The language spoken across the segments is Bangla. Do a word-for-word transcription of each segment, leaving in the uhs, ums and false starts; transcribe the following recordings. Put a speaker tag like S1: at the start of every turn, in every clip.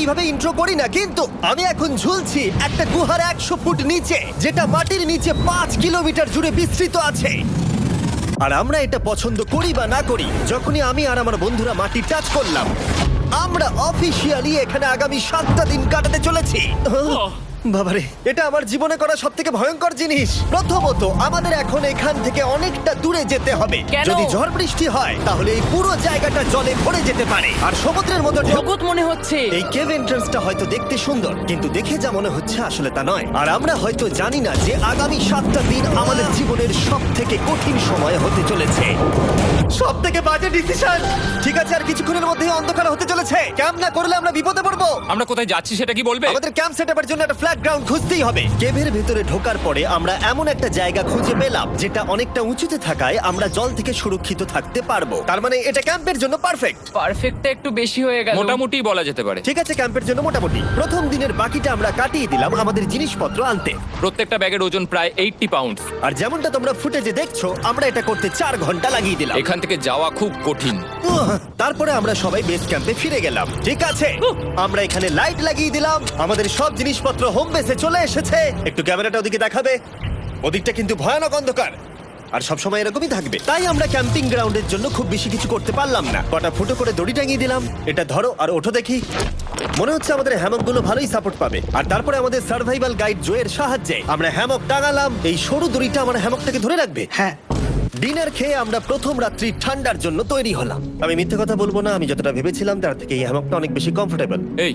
S1: এইভাবে ইন্ট্রো করি না, কিন্তু আমি এখন ঝুলছি একটা গুহার একশো ফুট নিচে, যেটা মাটির নিচে পাঁচ কিলোমিটার জুড়ে বিস্তৃত আছে। আর আমরা এটা পছন্দ করি বা না করি, যখনই আমি আর আমার বন্ধুরা মাটি টাচ করলাম, আমরা অফিসিয়ালি এখানে আগামী সাতটা দিন কাটাতে চলেছি। বাবারে, এটা আমার জীবনে করা সব থেকে ভয়ঙ্কর জিনিস। প্রথমত, আমাদের এখন এখান থেকে অনেকটা দূরে যেতে হবে।
S2: কেন?
S1: যদি ঝড় বৃষ্টি হয় তাহলে এই পুরো জায়গাটা জলে ভরে যেতে পারে, আর সমুদ্রের মতো ঢেউ।
S2: জগৎ মনে হচ্ছে।
S1: এই কেভ এন্ট্রান্সটা হয়তো দেখতে সুন্দর, কিন্তু দেখে যা মনে হচ্ছে আসলে তা নয়। আর আমরা হয়তো জানি না যে আগামী সাতটা দিন আমাদের জীবনের সব থেকে কঠিন সময় হতে চলেছে। সব থেকে বাজে ডিসিশন। ঠিক আছে, আর কিছুক্ষণের মধ্যেই অন্ধকার হতে চলেছে। ক্যাম্প না করলে আমরা বিপদে পড়বো।
S3: আমরা কোথায় যাচ্ছি সেটা কি বলবে?
S1: আমাদের ক্যাম্প সেটআপের জন্য একটা ফ্ল্যাট গ্রাউন্ড খুঁজতেই হবে। কেভের ভেতরে ঢোকার পরে আমরা এমন একটা জায়গা খুঁজে পেলাম যেটা অনেকটা উঁচুতে থাকায় আমরা জল থেকে সুরক্ষিত থাকতে পারবো। তার মানে এটা ক্যাম্পের জন্য পারফেক্ট।
S2: পারফেক্টটা একটু বেশি হয়ে গেল।
S3: মোটামুটি বলা যেতে পারে।
S1: ঠিক আছে, ক্যাম্পের জন্য মোটামুটি। প্রথম দিনের বাকিটা আমরা কাটিয়ে দিলাম আমাদের জিনিসপত্র আনতে।
S3: প্রত্যেকটা ব্যাগের ওজন প্রায় এইট্টি পাউন্ড।
S1: আর যেমনটা তোমরা ফুটেজে দেখছো, আমরা এটা করতে চার ঘন্টা লাগিয়ে দিলাম।
S3: এখান থেকে যাওয়া খুব কঠিন।
S1: উহ, তারপরে আমরা সবাই বেস ক্যাম্পে ফিরে গেলাম। ঠিক আছে, আমরা এখানে লাইট লাগিয়ে দিলাম। আমাদের সব জিনিসপত্র হোম বেসে চলে এসেছে। একটু ক্যামেরাটা ওদিকে দেখাবে? ওদিকটা কিন্তু ভয়ানক অন্ধকার, আর সবসময় এরকমই থাকবে। তাই আমরা ক্যাম্পিং গ্রাউন্ডের জন্য খুব বেশি কিছু করতে পারলাম না। কটা ফুটো করে দড়ি টাঙিয়ে দিলাম। এটা ধরো আর ওঠো দেখি। মনে হচ্ছে আমাদের হ্যামকগুলো ভালোই সাপোর্ট পাবে। আর তারপরে আমাদের সার্ভাইভাল গাইড জোয়ের সাহায্যে আমরা হ্যামক টাঙালাম। এই সরু দড়িটা আমার হ্যামকটাকে ধরে রাখবে। হ্যাঁ। ডিনার খেয়ে আমরা প্রথম রাত্রি ঠান্ডার জন্য তৈরি হলাম। আমি মিথ্যে কথা বলবো না, আমি যতটা ভেবেছিলাম তার থেকে এই হ্যামকটা অনেক বেশি কমফোর্টেবল।
S3: এই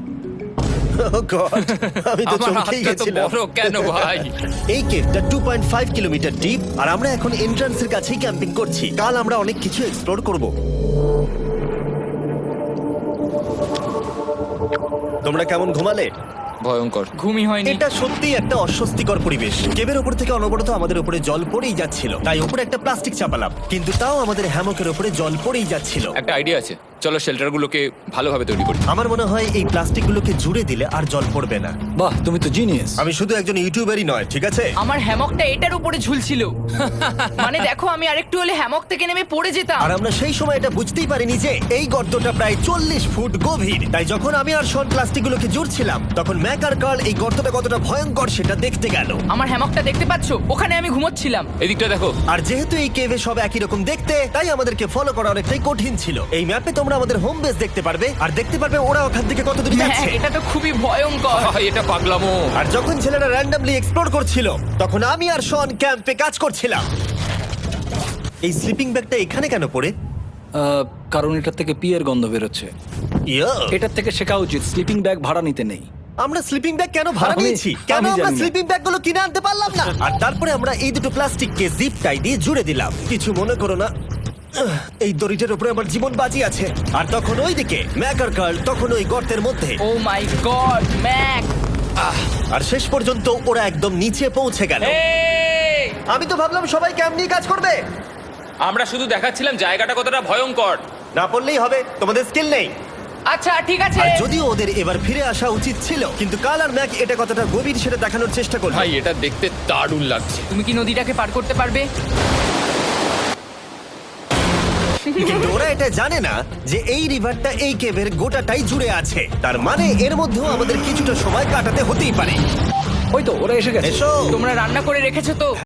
S1: আমি তো
S3: আমার
S1: চমকেই
S3: হাতটা তো
S1: গেছিলাম।
S3: বড় কেন ভাই?
S1: এই কেভটা two point five kilometre deep, আর আমরা এখন এন্ট্রান্সের কাছেই ক্যাম্পিং করছি। কাল আমরা অনেক কিছু এক্সপ্লোর করব। তোমরা কেমন ঘুমালে?
S3: ভয়ঙ্কর।
S2: ঘুমই হয়নি।
S1: এটা সত্যি একটা অস্বস্তিকর পরিবেশ। কেবের উপর থেকে অনবরত আমাদের উপরে জল পড়েই যাচ্ছিল, তাই উপরে একটা প্লাস্টিক চাপালাম, কিন্তু তাও আমাদের হ্যামকের উপরে জল পড়েই যাচ্ছিল।
S3: একটা আইডিয়া আছে, চলো শেল্টারগুলোকে ভালোভাবে তৈরি করি।
S1: আমার মনে হয় এই প্লাস্টিকগুলোকে জুড়ে দিলে আর জল পড়বে না।
S4: বাহ, তুমি তো জিনিয়াস।
S1: আমি শুধু একজন ইউটিউবারই নয়, ঠিক আছে?
S2: আমার হ্যামকটা এটার উপরে ঝুলছিল। মানে দেখো, আমি আরেকটু হলে হ্যামক থেকে নেমে পড়ে যেতাম।
S1: আর আমরা সেই সময় এটা বুঝতেই পারিনি যে এই গর্তটা প্রায় চল্লিশ ফুট গভীর। তাই যখন আমি আর শন প্লাস্টিকগুলোকে জুড়ছিলাম, তখন ম্যাক আর কার্ল এই গর্তটা কতটা ভয়ঙ্কর সেটা দেখতে গেল।
S2: আমার হ্যামকটা দেখতে পাচ্ছো? ওখানে আমি ঘুমোচ্ছিলাম।
S3: এদিকটা দেখো।
S1: আর যেহেতু এই কেভে সব একই রকম দেখতে, তাই আমাদেরকে ফলো করা অনেকটাই কঠিন ছিল। এই ম্যাপে তোমরা আমাদের হোম বেস দেখতে পারবে, আর দেখতে পারবে ওরা ওখান থেকে কত দূরে
S2: হ্যাঁ,
S1: যাচ্ছে।
S2: এটা তো খুবই ভয়ঙ্কর।
S3: আহ, এটা পাগলামো।
S1: আর যখন ছেলেরা র্যান্ডমলি এক্সপ্লোর করছিল, তখন আমি আর শন ক্যাম্পে কাজ করছিলাম। এই স্লিপিং ব্যাগটা এখানে কেন পড়ে?
S4: আহ, কারণ এটার থেকে পিয়ের গন্ধ বেরোচ্ছে।
S1: ইয়া,
S4: এটার থেকে শেখা উচিত স্লিপিং ব্যাগ ভাড়া নিতে নেই।
S1: আমরা স্লিপিং ব্যাগ কেন ভাড়া
S4: আমি-
S1: নিয়েছি? কেন
S4: আমি
S1: আমরা
S4: জানি না।
S1: স্লিপিং ব্যাগগুলো কিনে আনতে পারলাম না? আর তারপরে আমরা এই দুটো প্লাস্টিককে জিপ টাই দিয়ে জুড়ে দিলাম। কিছু মনে করো না, আহ, এই দড়িটার উপরে আমার জীবন বাজি আছে। আর তখন ওইদিকে ম্যাক আর কার্ল তখন ওই গর্তের মধ্যে।
S2: ও মাই গড, ম্যাক!
S1: আর শেষ পর্যন্ত ওরা একদম নিচে পৌঁছে গেল।
S3: এই!
S1: আমি তো ভাবলাম সবাই ক্যাম্প নিয়ে কাজ করবে।
S3: আমরা শুধু দেখাচ্ছিলাম জায়গাটা কতটা ভয়ঙ্কর।
S1: না পড়লেই হবে, তোমাদের স্কিল নেই।
S2: আচ্ছা, ঠিক আছে।
S1: আর যদিও ওদের এবার ফিরে আসা উচিত ছিল, কিন্তু কাল আর ম্যাক এটা কতটা গভীর সেটা দেখানোর চেষ্টা করলো।
S3: ভাই, এটা দেখতে দারুণ লাগছে।
S2: তুমি কি নদীটাকে পার করতে পারবে?
S1: কিন্তু ওরা এটা জানে না যে এই রিভারটা এই কেভের গোটাটাই জুড়ে আছে। তার মানে এর মধ্যেও আমাদের কিছুটা সময় কাটাতে হতেই পারে।
S4: ওই তো ওরা এসে গেছে।
S1: এসো।
S2: তোমরা রান্না করে রেখেছো তো?